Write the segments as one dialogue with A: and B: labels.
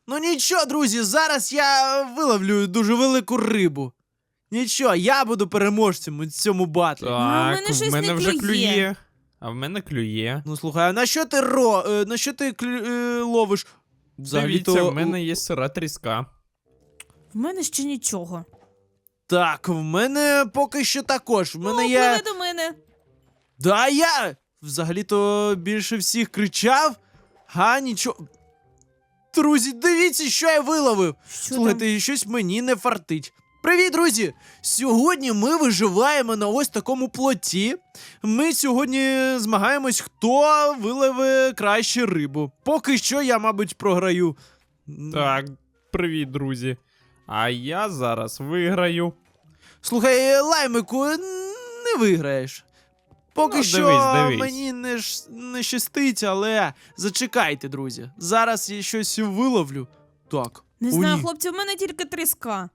A: Ну нічого, друзі, зараз я виловлю дуже велику рибу. Нічого, я буду переможцем у цьому батлі.
B: А в мене
C: Так,
B: щось
C: в мене
B: не
C: вже
B: клює.
C: клює. А в мене клює.
A: Ну слухай, а на що ти ловиш?
C: Дивіться, в мене є сира тріска.
B: В мене ще нічого.
A: Так, в мене поки що також. В мене
B: О,
A: є.
B: пливе до мене.
A: Да, я взагалі-то більше всіх кричав. Нічого. Друзі, дивіться, що я виловив.
B: Що
A: Слухайте, щось мені не фартить. Привіт, друзі! Сьогодні ми виживаємо на ось такому плоті. Ми сьогодні змагаємось, хто виловить краще рибу. Поки що я, мабуть, програю.
C: Так, привіт, друзі. А я зараз виграю.
A: Слухай, Лаймику, не виграєш. Поки
C: Ну,
A: що
C: дивись.
A: мені не щастить, але зачекайте, друзі. Зараз я щось виловлю. Так.
B: Не
A: о,
B: знаю,
A: ні.
B: хлопці, в мене тільки тріска.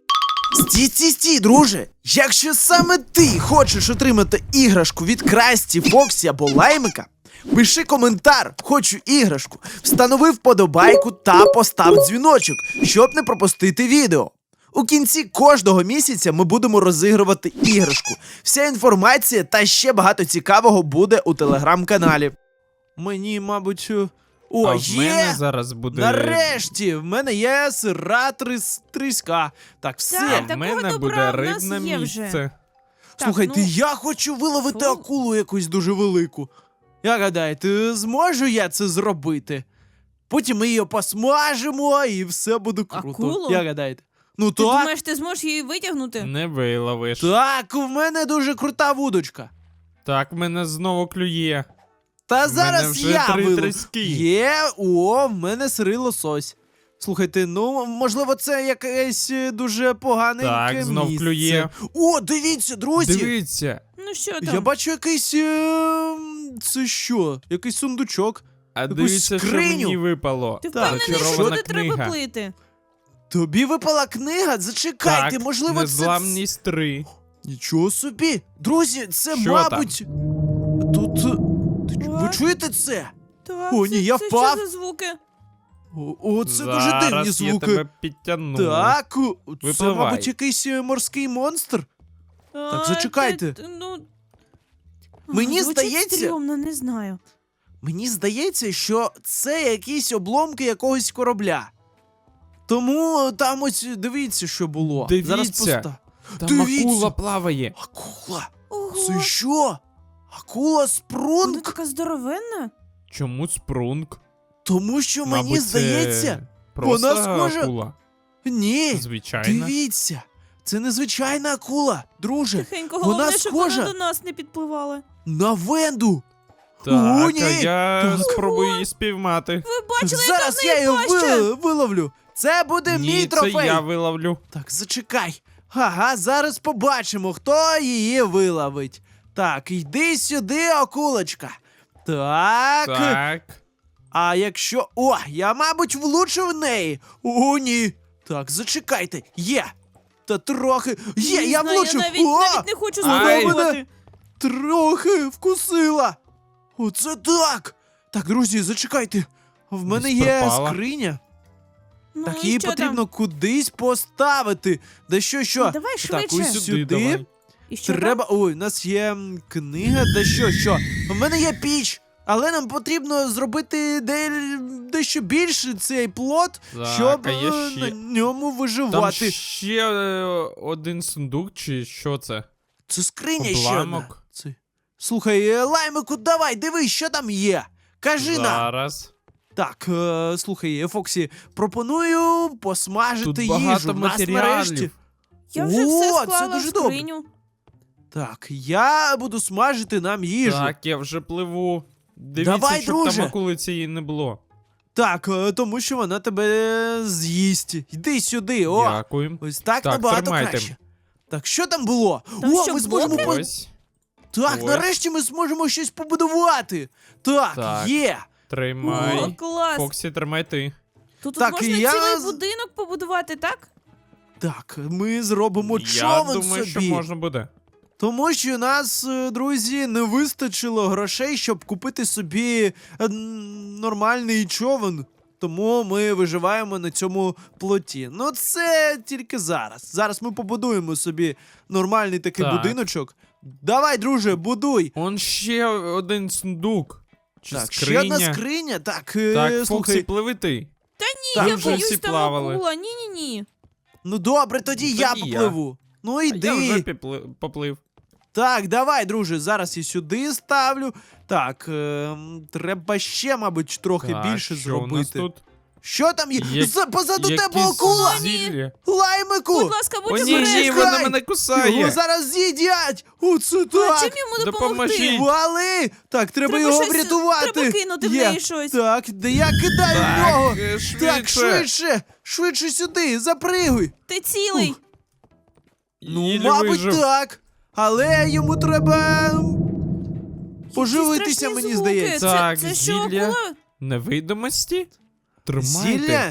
A: Стій, друже! Якщо саме ти хочеш отримати іграшку від Красті, Фоксі або Лаймика, пиши коментар «Хочу іграшку», встанови вподобайку та постав дзвіночок, щоб не пропустити відео. У кінці кожного місяця ми будемо розігрувати іграшку. Вся інформація та ще багато цікавого буде у телеграм-каналі. Мені, мабуть... О,
C: а в
A: є!
C: мене зараз буде...
A: Нарешті! В мене є сира тріска. Так, все.
B: Так,
C: А в
B: такого
C: мене
B: добра
C: буде
B: в нас
C: рибне
B: є вже.
C: місце.
A: Слухайте,
B: ну,
A: я хочу виловити
B: фу.
A: акулу якусь дуже велику. Як гадаєте, зможу я це зробити? Потім ми її посмажимо і все буде круто.
B: Акулу?
A: Як гадаєте? Ну
B: Ти
A: так,
B: думаєш, ти зможеш її витягнути?
C: Не виловиш.
A: так, в мене дуже крута вудочка.
C: Так, в мене знову клює.
A: Та
C: В
A: зараз
C: мене вже
A: я
C: 3
A: виловлю.
C: тріски.
A: В мене сирий лосось. Слухайте, ну, можливо, це якесь дуже погане
C: Так, знов
A: місце.
C: клює.
A: О, дивіться, друзі!
C: Дивіться.
B: Ну що там?
A: Я бачу якийсь... це що? Якийсь сундучок.
C: А
A: Якусь
C: дивіться, що
A: скриню.
C: мені випало.
B: Ти
A: Так,
B: впевнений, що
C: зачарована
B: туди треба
C: книга.
B: плити?
A: Тобі випала книга? Зачекайте,
C: Так,
A: можливо,
C: незламність 3.
A: Нічого собі! Друзі, це,
C: Що
A: мабуть... Тут... Ви
B: А?
A: чуєте це?
B: Так,
A: О, ні, я
B: це
A: впав.
B: що за звуки?
A: Це дуже дивні
C: Зараз я
A: звуки.
C: тебе підтягну.
A: Так, це,
C: Випливай.
A: мабуть, якийсь морський монстр. Так, зачекайте. Мені
B: звучить
A: здається-
B: стрьомно, не знаю.
A: Мені здається, що це якісь обломки якогось корабля. Тому там ось дивіться, що було.
C: Дивіться.
A: Зараз поста.
C: Там
A: Дивіться.
C: акула плаває.
A: Акула!
B: Ого,
A: Це що? Акула
B: вона
A: спрунг?
B: така здоровенна.
C: Чому спрунг?
A: Тому що мені
C: Мабуть,
A: здається.
C: це просто
A: вона схожа-
C: акула.
A: Ні.
C: Звичайно.
A: Дивіться. Це незвичайна акула, друже.
B: Тихенько,
A: Вона
B: головне, щоб
A: схожа.
B: вона до нас не підпливала.
A: На Венду.
C: Так,
A: О, ні.
C: а я
A: Так.
C: спробую її спіймати.
B: Ви бачили,
A: Зараз
B: яка
A: я
B: в неї
A: її
B: паща?
A: виловлю. Це буде мій
C: Ні, це
A: трофей.
C: я виловлю.
A: Так, зачекай. Ага, зараз побачимо, хто її виловить. Так, йди сюди, акулочка. Так.
C: Так.
A: А якщо. О, я, мабуть, влучив в неї. О, ні. Так, зачекайте. Є. Та трохи. Є,
B: Не
A: я
B: знаю,
A: влучив.
B: Я навіть не хочу
A: Вона
B: спробувати.
A: мене трохи вкусила. Оце так. Так, друзі, зачекайте. В мене
C: Десь
A: є
C: пропала.
A: скриня.
B: Ну,
A: Так
B: і
A: її
B: що
A: потрібно
B: там?
A: кудись поставити. Да що?
B: Ну, давай
A: Так,
B: швидше.
A: ось сюди.
C: давай.
B: І що
A: Треба. Ой, у нас є книга, да що? У мене є піч, але нам потрібно зробити дещо більше цей плот,
C: Так,
A: щоб
C: а є
A: на
C: ще-
A: ньому
C: Там
A: виживати.
C: ще один сундук, чи що це?
A: Це скриня ще одна.
C: Обламок.
A: Це... Слухай, Лаймику, давай, дивись, що там є. Кажи нам.
C: Зараз.
A: Так, слухай, Фоксі, пропоную посмажити
C: Тут
A: їжу.
C: багато
A: В нас
C: матеріалів.
A: нарешті.
B: Я вже все
A: О, це
B: склала в
A: дуже добре.
B: скриню.
A: Так, я буду смажити нам їжу.
C: Так, я вже пливу. Дивіться,
A: Давай,
C: щоб
A: друже.
C: там акули цієї не було.
A: Так, тому що вона тебе з'їсть. Йди сюди, о!
C: Дякую.
A: Ось так,
C: Так,
A: набагато
C: тримайте.
A: краще. Так, що там було?
B: Там
A: О,
B: що,
A: ми зможемо
B: блоки?
C: Ось.
A: Так,
C: Ось.
A: нарешті ми зможемо щось побудувати. Так,
C: Так.
A: є.
C: Тримай.
B: О, клас.
C: Фоксі, тримай ти.
B: Тут
A: Так,
B: можна
A: я
B: цілий
A: з-
B: будинок побудувати, так?
A: Так, ми зробимо
C: Я
A: човен
C: думаю,
A: собі.
C: що можна буде.
A: Тому що у нас, друзі, не вистачило грошей, щоб купити собі нормальний човен. тому ми виживаємо на цьому плоті. Ну, це тільки зараз. Зараз ми побудуємо собі нормальний такий
C: Так.
A: будиночок. Давай, друже, будуй.
C: Он ще один сундук. Чи
A: Так,
C: скриня?
A: ще одна скриня. Так,
C: Так, Фоксі,
A: слухай.
C: пливи ти.
B: Ні, я
C: вже
B: боюсь
C: всі
B: там
C: плавали.
B: акула. Ні.
A: Ну добре, тоді
C: Ну,
A: я
C: тоді я.
A: попливу. Ну
C: А
A: йди.
C: я вже поплив.
A: Так, давай, друже, зараз і сюди ставлю. Так, треба ще, мабуть, трохи
C: Так,
A: більше
C: що у нас
A: зробити.
C: тут?
A: Що там є? Позаду тебе
C: Якісь
A: акула!
C: зілля.
A: Лаймику!
B: Будь ласка,
C: О,
B: будь
C: ні,
B: обережний.
C: ні, вона мене кусає.
A: Його зараз з'їдять! Оце
B: А
A: так!
B: чим йому допомогти?
C: Допоможіть.
A: Вали! Так, треба його
B: щось-
A: врятувати!
B: Треба кинути в
A: Є.
B: неї щось.
A: Так, де я кидаю в нього!
C: швидше.
A: Так, швидше! Швидше сюди! Запригуй!
B: Ти цілий.
A: Ну,
C: Єлі
A: мабуть,
C: вижив.
A: так. Але йому треба поживитися,
B: Страшні
A: мені
B: звуки.
A: здається.
C: Так,
B: Це що,
C: зілля.
B: акула?
C: Невидимості? Тримайте.
A: Зілля?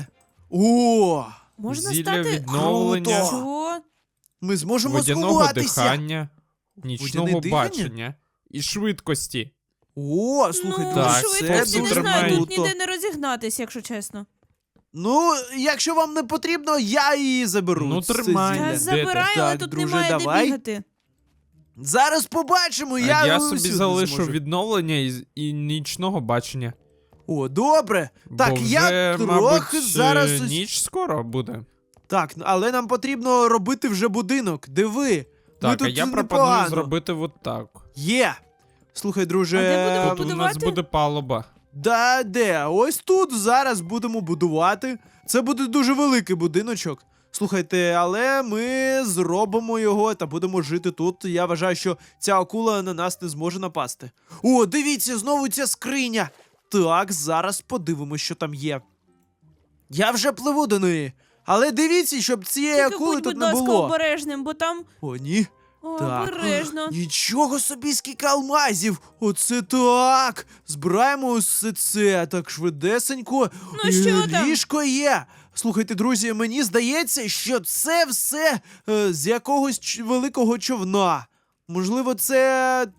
A: О!
B: Можна
C: Зілля
B: стати...
C: відновлення,
A: Круто.
B: Що?
A: Ми зможемо
C: водяного
A: сховатися.
C: дихання, нічного
A: Водяне дихання?
C: бачення і швидкості.
A: О, слухайте,
B: Ну,
C: Так,
B: швидкості
A: це
B: не
C: дуже
B: знаю, тут
A: круто.
B: ніде не розігнатись, якщо чесно.
A: Ну, якщо вам не потрібно, я її заберу.
C: Ну,
A: це
C: тримай.
A: зілля.
B: Я
C: де
B: забираю,
A: ти?
B: але
A: Так,
B: тут
A: друже,
B: немає
A: давай.
B: де бігати.
A: Зараз побачимо,
C: А
A: я
C: я
A: усюди
C: собі залишу
A: зможу.
C: відновлення і нічного бачення.
A: О, добре. Так,
C: Бо
A: я
C: вже,
A: трохи
C: мабуть,
A: зараз...
C: ніч скоро буде.
A: Так, але нам потрібно робити вже будинок. Диви. Ми
C: Так, а
A: тут
C: я пропоную
A: непогано.
C: зробити от так.
A: Є. Слухай, друже.
B: А де будемо
C: Тут у нас
B: будувати?
C: буде палуба.
A: Да, де? Ось тут зараз будемо будувати. Це буде дуже великий будиночок. Слухайте, але ми зробимо його та будемо жити тут. Я вважаю, що ця акула на нас не зможе напасти. О, дивіться, знову ця скриня. Так, зараз подивимось, що там є. Я вже пливу до неї. Але дивіться, щоб цієї
B: Тільки
A: акули
B: будь,
A: тут
B: будь
A: не
B: ласка,
A: було.
B: обережним, бо там...
A: О, ні.
B: О,
A: Так.
B: обережно.
A: Нічого собі, скільки алмазів! Оце так! Збираємо усе це так швидесенько.
B: Ну, що там?
A: Ліжко є. Слухайте, друзі, мені здається, що це все з якогось великого човна. Можливо, це.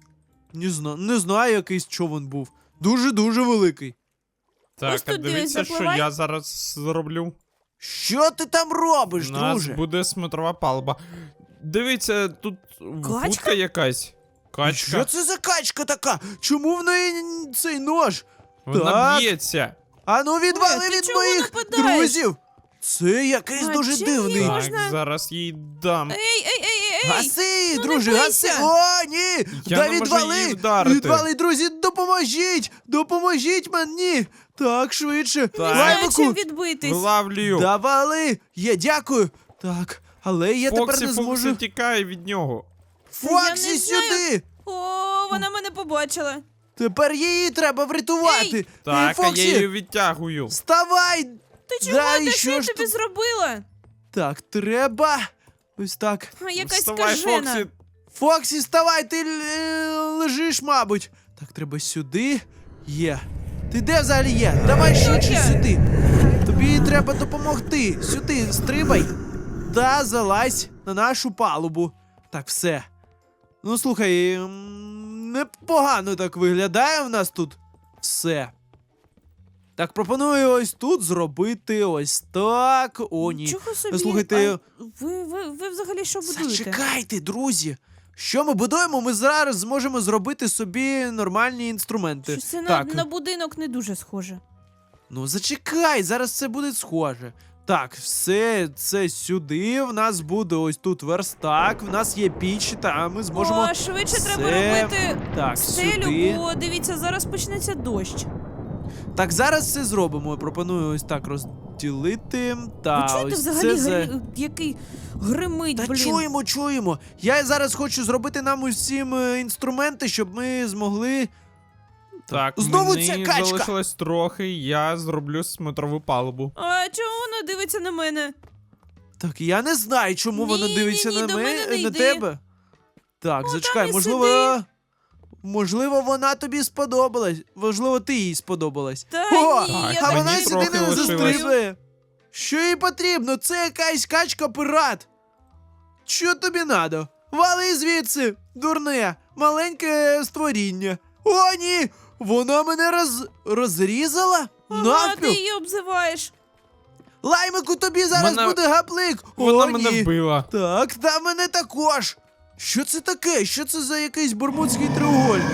A: Не знаю, якийсь човен був. Дуже-дуже великий.
C: Так,
B: Ось
C: а
B: тут
C: дивіться, що
B: запливай.
C: я зараз зроблю.
A: Що ти там робиш,
C: У нас
A: друже?
C: буде смотрова палуба. Дивіться, тут
B: Качка?
C: вудка якась. Качка.
A: Що це за качка така? Чому в неї цей нож?
C: Вона
A: Так.
C: б'ється.
A: Ану, відвали
B: Ой, ти
A: від
B: чого
A: моїх
B: нападаєш?
A: друзів! Це якийсь
B: А
A: дуже
B: чим
A: дивний.
B: її
C: Так,
B: можна-
C: зараз їй дам.
B: Ей!
A: Гаси,
B: Ну,
A: друже,
B: не
A: гаси!
B: бийся.
A: О, ні!
C: Я
A: Да
C: не можу
A: відвали!
C: її вдарити.
A: Відвали, друзі, допоможіть! Допоможіть мені! Так, швидше!
C: Так.
B: Не знаю, чим
A: Лаймику!
B: відбитись.
C: Вилавлюю.
A: Давали! Я дякую! Так, але я тепер
C: Фоксі,
A: не
C: Фоксі
A: зможу.
C: тікає від нього.
B: Та я
A: Фоксі,
B: не знаю.
A: сюди!
B: О, вона мене побачила.
A: Тепер її треба врятувати!
C: Так, а я
A: Фоксі,
C: її відтягую.
A: вставай!
B: Ти чого?
A: Да, і
B: Та
A: що
B: що я
A: ж
B: тобі
A: тут?
B: зробила?
A: Так, треба. Ось так.
B: А, якась
C: Вставай,
B: скажена.
C: Фоксі.
A: Фоксі, вставай, ти лежиш, мабуть. Так, треба сюди. Є. Ти де взагалі є? Давай швидше
B: я?
A: сюди. Тобі треба допомогти. Сюди, стрибай. Та залазь на нашу палубу. Так, все. Ну, слухай, непогано так виглядає в нас тут все. Так, пропоную ось тут зробити ось так. О, ні.
B: Чого собі?
A: Слухайте,
B: А ви взагалі що будуєте?
A: зачекайте, друзі. Що ми будуємо? Ми зараз зможемо зробити собі нормальні інструменти.
B: Щось це
A: Так,
B: на будинок не дуже схоже.
A: ну зачекай, зараз це буде схоже. Так, все це сюди. В нас буде ось тут верстак, в нас є піч, та ми зможемо.
B: О, швидше треба
A: все-
B: робити
A: Так,
B: стелю,
A: сюди.
B: бо дивіться, зараз почнеться дощ.
A: Так, зараз все зробимо. Пропоную ось так розділити. Та
B: Ви чуєте
A: ось
B: взагалі,
A: це
B: який гримить,
A: Та
B: блін?
A: чуємо. Я зараз хочу зробити нам усім інструменти, щоб ми змогли.
C: Так,
A: Знову
C: мені
A: ця качка!
C: залишилось трохи, я зроблю смотрову палубу.
B: А чому вона дивиться на мене?
A: Так, я не знаю, чому
B: Ні,
A: вона
B: ні,
A: дивиться
B: ні,
A: на
B: до мене не
A: на
B: йди.
A: тебе. Так,
B: Ну,
A: зачекай,
B: там і
A: можливо. Можливо, вона тобі сподобалась. Можливо, ти їй сподобалась.
B: Та
A: О,
B: ні,
C: Так,
B: я
A: а
B: так
A: вона
B: не
A: сюди
C: трохи
A: не
B: люблю.
C: лишилось.
A: застрибує. Що їй потрібно? Це якась качка-пират. Що тобі надо? Вали звідси, дурне, маленьке створіння. О, ні! Вона мене розрізала?
B: Ага, ти
A: Навпіл.
B: її обзиваєш.
A: Лаймику, тобі зараз
C: Вона-
A: буде гаплик.
C: Вона
A: О,
C: мене
A: ні.
C: вбила.
A: Так, та мене також. Що це таке? Що це за якийсь Бермудський треугольник?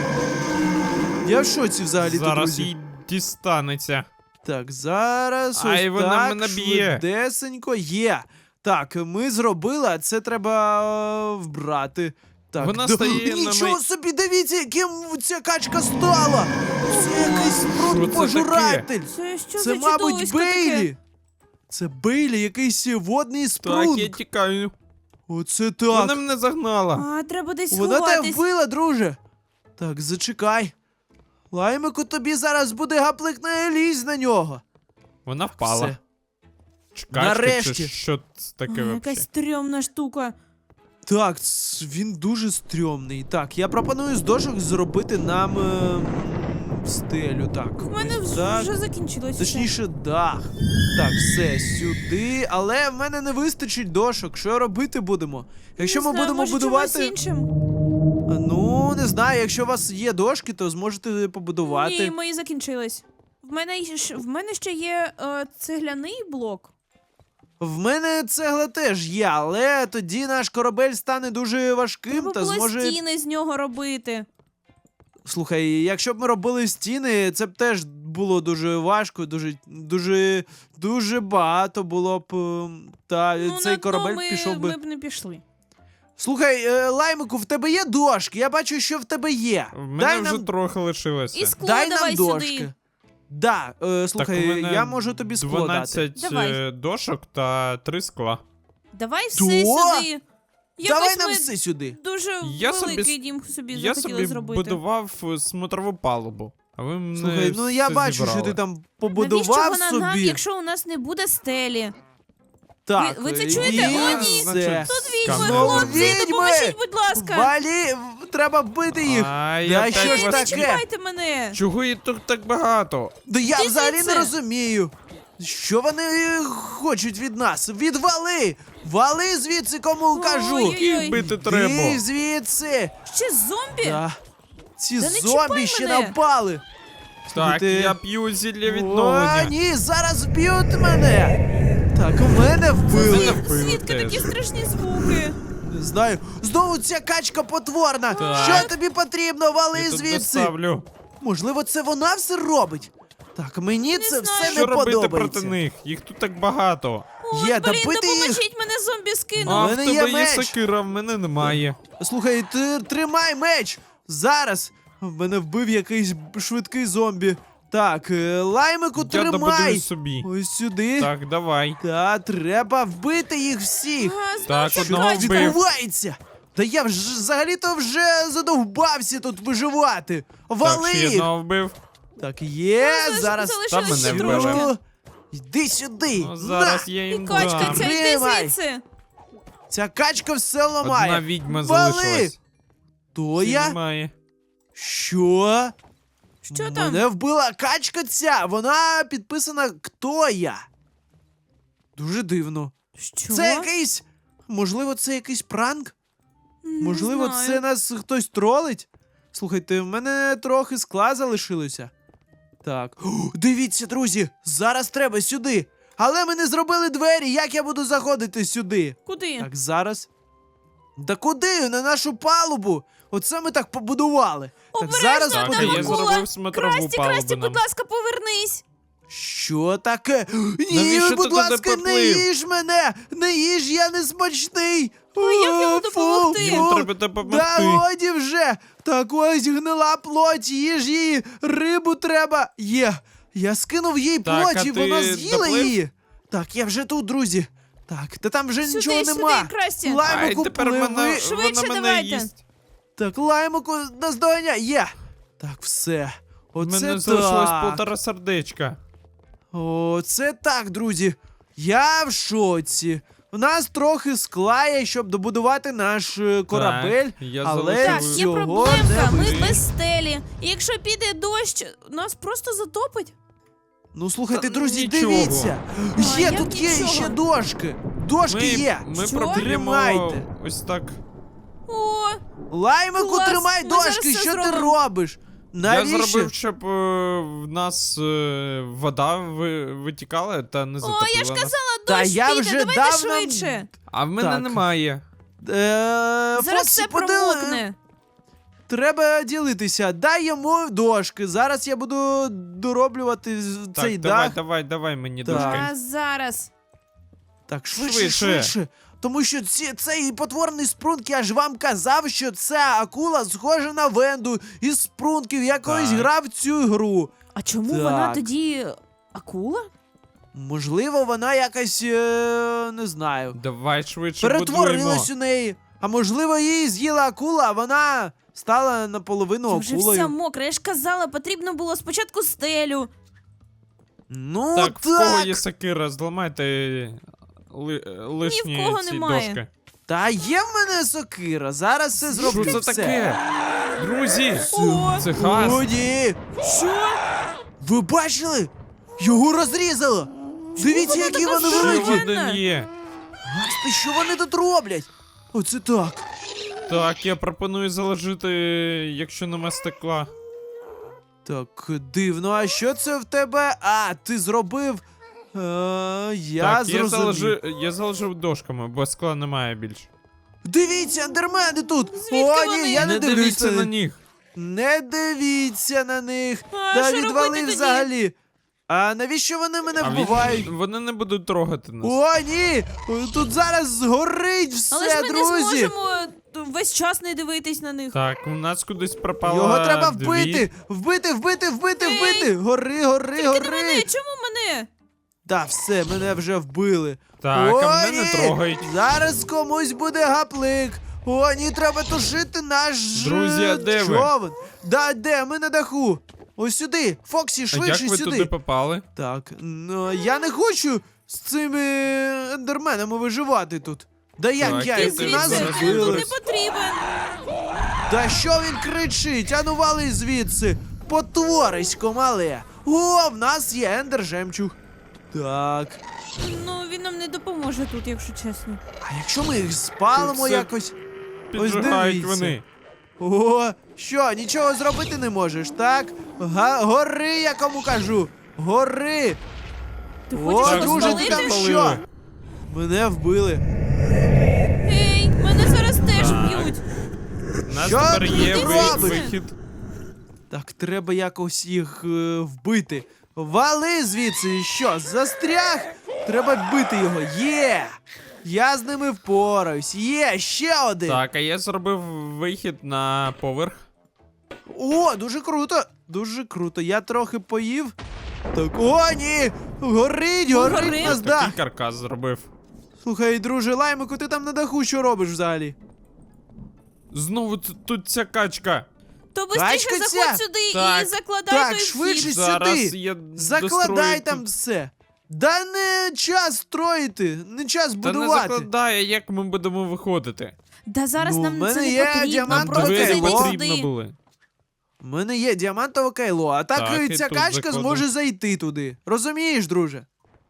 A: Я в шоці взагалі,
C: Зараз
A: друзі.
C: їй дістанеться.
A: Так, зараз ось
C: Ай, вона
A: так,
C: мене б'є.
A: швидесенько є. Так, ми зробили, а це треба вбрати. Так,
C: Вона стає на
A: нічого собі, дивіться, яким ця качка стала. Це якийсь
C: Що це
A: пожиратель.
B: Це що
A: Це,
B: за
A: мабуть,
B: чудовисько таке?
A: Бейлі. Це Бейлі, якийсь водний
C: Так,
A: спрунг.
C: я тікаю.
A: Оце так.
C: Вона мене загнала.
B: А, треба десь
A: Вона тебе
B: сховатись.
A: вбила, друже. Так, зачекай. Лаймику, тобі зараз буде гаплик, не лізь на нього.
C: Вона впала.
A: Все.
C: Чекачка,
A: Нарешті.
C: чи що це таке
B: А,
C: вообще?
B: якась стрьомна штука.
A: Так, він дуже стрьомний. Так, я пропоную з дошок зробити нам стелю. Так,
B: У мене
A: ось так.
B: вже закінчилось. все.
A: Точніше, дах. Так, все, сюди. Але в мене не вистачить дошок. Що робити будемо? Якщо
B: Не
A: ми
B: знаю,
A: будемо
B: може,
A: будувати.
B: чимось іншим?
A: Ну, не знаю, якщо у вас є дошки, то зможете побудувати.
B: Ні, мої закінчились. В мене ще є цегляний блок.
A: В мене цегла теж є, але тоді наш корабель стане дуже важким
B: Треба
A: та
B: було
A: зможе.
B: стіни з нього робити.
A: Слухай, якщо б ми робили стіни, це б теж було дуже важко, дуже багато було б. Та
B: Ну,
A: цей
B: на дно
A: корабель
B: ми,
A: пішов би.
B: ми б не пішли.
A: Слухай, Лаймику, в тебе є дошки? Я бачу, що в тебе є.
C: В мене
A: Дай
C: вже
A: нам,
C: трохи лишилося.
B: І скло
A: дай
B: давай
A: нам дошки.
B: сюди.
A: Да, слухай,
C: так, у мене
A: я можу тобі скло дати.
C: 12
B: Давай.
C: дошок та 3 скла.
B: Давай
A: Що?
B: все сюди.
A: Давай
B: Якось
A: нам
B: ми
A: все сюди.
B: дуже
C: Я
B: великий
C: собі-
B: дім собі
C: Я
B: захотіли
C: собі
B: зробити.
C: будував смотрову палубу. А ви мене
A: Слухай, ну я
C: все
A: бачу,
C: зібрали.
A: що ти там
B: Навіщо
A: побудував
B: вона
A: собі.
B: нам, якщо у нас не буде стелі?
A: Так,
B: ви це чуєте?
A: і
B: О, ні.
A: все.
B: Тут відьми,
C: Скандал.
B: хлопці,
A: Відьми!
B: допоможіть, будь ласка.
A: Валі, треба вбити їх.
C: А, я
A: Да
C: так
A: що ж
C: вас-
A: таке?
B: Чекайте мене.
C: Чого їх тут так багато?
A: Да я
B: Ти
A: взагалі
B: звідси?
A: не розумію. Що вони хочуть від нас? Відвали! Вали звідси, кому кажу!
B: Ой-ой-ой.
C: Їх бити треба.
A: Ти звідси!
B: Ще зомбі?
A: Да. Ці
B: Та не
A: зомбі
B: чіпай
A: ще
B: мене.
A: напали.
C: Так,
A: Слухайте,
C: я п'ю зілля
A: О,
C: відновлення.
A: ні, зараз б'ють мене! Так, мене вбили.
C: Мене вбили
B: Звідки
C: теж.
B: такі страшні звуки?
A: Не знаю. Знову ця качка потворна.
C: Так.
A: Що тобі потрібно? Вали
C: Я тут
A: звідси.
C: доставлю.
A: Можливо, це вона все робить. Так, мені це
B: знаю.
A: все
C: Що
A: не
C: робити
A: подобається.
C: проти них? Їх тут так багато.
B: Ой,
A: Є,
B: блін,
A: добити їх.
B: допоможіть, мене зомбі скинув.
C: А в
A: мене
C: тебе
A: є
C: є
A: меч.
C: сокира, в мене немає.
A: Слухай, ти тримай меч! Зараз! Мене вбив якийсь швидкий зомбі. Так, Лаймику,
C: Я
A: тримай!
C: добудую собі.
A: Ось сюди.
C: Так, давай.
A: Та треба вбити їх всіх.
B: Ага, знову
C: Так,
B: ця
C: одного
B: качка.
C: вбив.
A: Відбувається! Та я взагалі-то вже задовбався тут виживати. Вали
C: Так, ще
A: їх!
C: одного вбив.
A: Так, є, зараз.
B: залишилось
C: ще
A: Що?
C: трошки.
A: Йди сюди!
C: Ну, зараз
A: На!
C: я
B: І
C: їм
B: качка
C: дам.
B: ця, йди
A: Тримай.
B: звідси.
A: Ця качка все ламає.
C: Одна відьма
A: Вали!
C: залишилась.
A: То
C: Всі
A: я?
C: немає.
A: Що?
B: Що там?
A: Мене вбила качка ця, вона підписана «Хто я?». Дуже дивно.
B: Що?
A: Це якийсь. Можливо, це якийсь пранк?
B: Не
A: Можливо,
B: знаю.
A: це нас хтось тролить? Слухайте, в мене трохи скла залишилося. Так. О, дивіться, друзі, зараз треба сюди. Але ми не зробили двері, як я буду заходити сюди?
B: Куди?
A: Так, зараз. Да куди? На нашу палубу. Оце ми так побудували. Так,
B: Обережно,
A: зараз
C: Так,
B: там
C: я
A: подивимось.
B: акула.
C: зробив смотрову
B: Красті,
C: палубу нам.
B: будь ласка, повернись.
A: Що таке? Ні,
C: Навіщо ти
A: будь
C: туди
A: ласка, не
C: поплив?
A: їж мене! Не їж, я не смачний!
B: як йому
A: О,
B: допомогти?
A: фу,
C: Йому
A: фу.
C: треба допомогти.
A: Да годі вже! Так ось гнила плоть, їж її, рибу треба. Є. Я скинув їй
C: Так,
A: плоть,
C: а
A: і
C: ти
A: вона з'їла
C: доплив?
A: її. Так, я вже тут, друзі. Так, та там вже
B: Сюди,
A: нічого
B: сюди,
A: нема.
B: Красті.
C: Ай,
A: Лаймику,
C: тепер
A: пливи.
C: вона
B: Швидше
C: мене
B: давайте.
C: їсть.
A: Так, лаймику наздоганяй. Є. Так, все.
C: У
A: Оце
C: мене залишилось
A: так.
C: 1,5 сердечка.
A: О, це так, друзі. Я в шоці. У нас трохи скла є, щоб добудувати наш корабель,
C: Так, я
A: але
C: залишив-
B: Так, є
A: цього
B: проблемка,
A: не
B: ми
A: вийде.
B: без стелі. І якщо піде дощ, нас просто затопить.
A: Ну слухайте,
C: Та
A: друзі,
C: нічого.
A: дивіться.
B: А,
A: Є,
B: як
A: тут є
B: нічого?
A: ще дошки. Дошки є.
C: Ми
B: Що?
C: проб'ємо
A: Тримайте.
C: ось так.
B: О,
A: Лаймику,
B: Клас,
A: тримай
B: ми зараз
A: дошки,
B: все
A: що ти
B: зробимо.
A: робиш? Навіщо?
C: Я зробив, щоб в нас вода витікала та не
B: О,
C: затопила
B: я ж
C: нас.
B: казала,
A: Та
B: дощ
A: я
B: піде,
A: вже
B: давайте
A: давно-
B: швидше.
C: А в мене
A: Так.
C: немає.
B: Зараз
A: Фоксі,
B: все
A: подили-
B: промокне.
A: Треба ділитися. Дай йому дошки. Зараз я буду дороблювати цей
C: Так,
A: дах.
C: давай мені
A: Так.
C: дошки.
B: А зараз.
A: Так, швидше,
C: Швидше.
A: швидше. Тому що цей потворний спрунк, я ж вам казав, що ця акула схожа на Венду із спрунків. Я колись
C: Так.
A: грав в цю гру.
B: А чому
A: Так.
B: вона тоді акула?
A: Можливо, вона якась, не знаю,
C: Давай швидше
A: перетворилась
C: будуємо.
A: у неї. А можливо, її з'їла акула, а вона стала наполовину
B: Я вже
A: акулою.
B: вся мокра, я ж казала, потрібно було спочатку стелю.
A: Ну
C: Так,
A: так.
C: в кого є сокира, зламайте лишні
B: Ні в кого
C: ці
B: немає.
C: дошки.
A: Та є в мене сокира. Зараз все зроблю.
C: Що це
A: все.
C: таке? Друзі,
B: О,
C: це газ.
A: О, ні.
B: Що?
A: Ви бачили? Його розрізало. Дивіться,
B: вона
A: які
B: така
A: вони
C: Ще
A: великі.
B: здорова?
C: один є.
A: Гасти, що вони тут роблять? Оце так.
C: Так, я пропоную заложити, якщо нема стекла.
A: Так, дивно, а що це в тебе? А, ти зробив. Я
C: Так,
A: зрозумів.
C: я заложив дошками, бо скла немає більше.
A: Дивіться, андермени тут!
B: Звідки
A: О, ні,
B: вони?
A: я не дивлюся
C: дивіться на них.
A: Не дивіться на них.
B: А
A: Та
B: що
A: відвали
B: робити тоді?
A: взагалі. А навіщо вони мене
C: А
A: вбивають?
C: вони не будуть трогати нас.
A: О, ні! Тут зараз згорить все,
B: Але ж ми
A: друзі!
B: не зможемо весь час не дивитись на них.
C: Так, у нас кудись пропало.
A: Його треба
C: дві.
A: вбити! Вбити!
B: Ей!
A: Гори!
B: Тільки не мене, чому мене?
A: Та все, мене вже вбили.
C: Так,
A: О,
C: а мене
A: ні!
C: не трогають.
A: Зараз комусь буде гаплик. О, ні, треба тушити наш
C: Друзі, а де ви?
A: човен. Да, де? Ми на даху. Ось сюди. Фоксі,
C: А
A: швидше
C: як ви
A: сюди.
C: туди попали?
A: Так, ну я не хочу з цими ендерменами виживати тут. Да як
C: Так,
A: я
C: я
A: їх
C: теж
A: нас
C: зараз
B: Звідси, він тут
A: вбили.
B: не потрібен.
A: Та що він кричить? Ану вали звідси. Потворисько мале. О, в нас є ендер жемчуг. Так.
B: Ну, він нам не допоможе тут, якщо чесно.
A: А якщо ми їх спалимо
C: Тут все
A: якось? Ось
C: Піджигають
A: дивіться.
C: вони.
A: О, що, нічого зробити не можеш, так? Гори, я кому кажу. Гори.
B: Ти
A: О,
B: хочеш
C: Так,
B: нас
A: друже,
C: знову
A: ти
B: спалити?
A: там
C: підпалили.
A: що? Мене вбили.
B: Ей, мене зараз теж
C: Так.
B: б'ють.
C: У нас
A: Що
C: тепер
A: ти
C: є
A: робиш?
C: вихід.
A: Так, треба якось їх вбити. Вали звідси, що, застряг? Треба бити його. Є! Я з ними впораюсь. Є, ще один.
C: Так, а я зробив вихід на поверх.
A: О, дуже круто! Дуже круто. Я трохи поїв. Так, о, ні! Горить
B: Горить?
A: нас дах!
C: Такий каркас зробив.
A: Слухай, друже, Лаймику, ти там на даху що робиш взагалі?
C: Знову тут ця качка.
B: То бистріше
A: Качка ця?
B: заходь сюди і
C: Так.
B: закладай
A: Так,
B: той
A: швидше
B: вхід.
C: Зараз
A: сюди.
C: я
A: Закладай
C: дострою
A: там
C: тут.
A: все. Да не час строїти, не час
C: Та не
A: будувати.
C: закладає, як ми будемо виходити.
B: Да зараз
A: Ну, в
B: нам
A: мене
B: це не
A: є
B: потрібно,
A: діамантове
B: просто
C: Двері
A: кайло.
B: зайди
C: потрібно
B: сюди.
C: були.
A: У мене є діамантове кайло, а так,
C: Так, і
A: ця
C: тут
A: качка
C: заходимо.
A: зможе зайти туди. Розумієш, друже?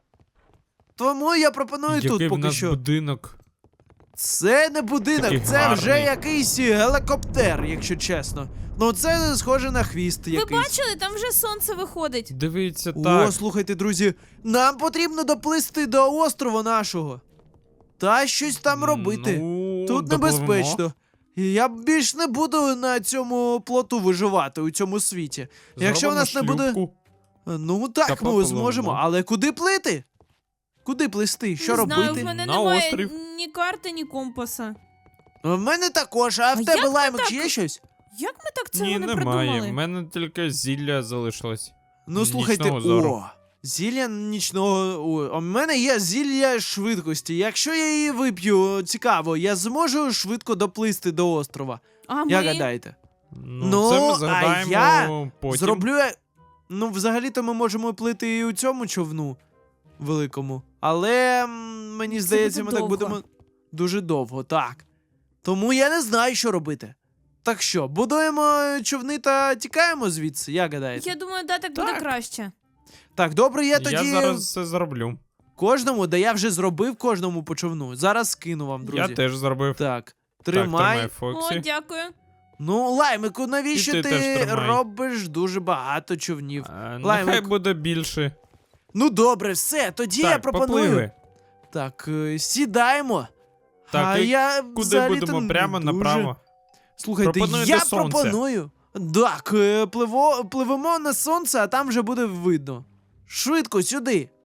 A: Тому я пропоную
C: Який
A: тут
C: в
A: поки
C: нас
A: що.
C: будинок.
A: Це не будинок,
C: Такий
A: це вже
C: гарний.
A: якийсь гелікоптер, якщо чесно. Ну це схоже на хвіст
B: Ви
A: якийсь.
B: бачили, там вже сонце виходить.
C: Дивіться,
A: О,
C: так.
A: слухайте, друзі, нам потрібно доплисти до острова нашого. Та щось там робити.
C: Ну,
A: Тут
C: допливемо.
A: небезпечно. І я більш не буду на цьому плоту виживати у цьому світі. Якщо в нас не
C: Зробимо
A: буде.
C: шлюпку.
A: Ну так,
C: Та
A: ми
C: попливемо.
A: зможемо. Але куди плити? Куди плисти? Що
B: не
A: робити?
B: знаю, в мене
C: На
B: немає
C: острів.
B: ні карти, ні компаса.
A: В мене також, а в
B: А
A: тебе
B: як ми
A: Лаймик
B: так?
A: є щось?
B: Як ми так цього
C: Ні,
B: не
C: немає.
B: придумали?
C: В мене тільки зілля залишилось.
A: Ну слухайте,
C: Нічного зору.
A: о, зілля нічного. О, у мене є зілля швидкості. Якщо я її вип'ю, цікаво, я зможу швидко доплисти до острова.
B: А
A: Як
B: ми?
A: гадаєте?
C: Ну, це ми згадаємо
A: я
C: потім.
A: Зроблю я. Ну, взагалі-то ми можемо плити і у цьому човну великому. Але мені здається, ми
B: буде
A: так
B: довго.
A: будемо дуже довго, так. Тому я не знаю, що робити. Так що, будуємо човни та тікаємо звідси, як гадаєте?
B: Я думаю, да, так буде
C: Так.
B: краще.
A: Так, добре, я тоді
C: Я зараз це зроблю.
A: кожному, да я вже зробив кожному по човну. Зараз скину вам, друзі.
C: Я теж зробив.
A: Так,
C: Так,
A: тримай.
C: Фоксі.
B: О, дякую.
A: Ну, Лаймику, навіщо
C: І ти теж
A: ти
C: тримай.
A: робиш дуже багато човнів?
C: Нехай
A: Лаймик.
C: буде більше.
A: Ну добре, все, тоді я
C: Так,
A: пропоную.
C: попливи.
A: Так, сідаємо.
C: Так,
A: а
C: і
A: я
C: Куди
A: взагалі-то
C: будемо?
A: не
C: Прямо
A: дуже.
C: направо.
A: Слухайте,
C: Пропоную
A: я
C: до сонця.
A: пропоную. Так, пливемо на сонце, а там вже буде видно. Швидко, сюди.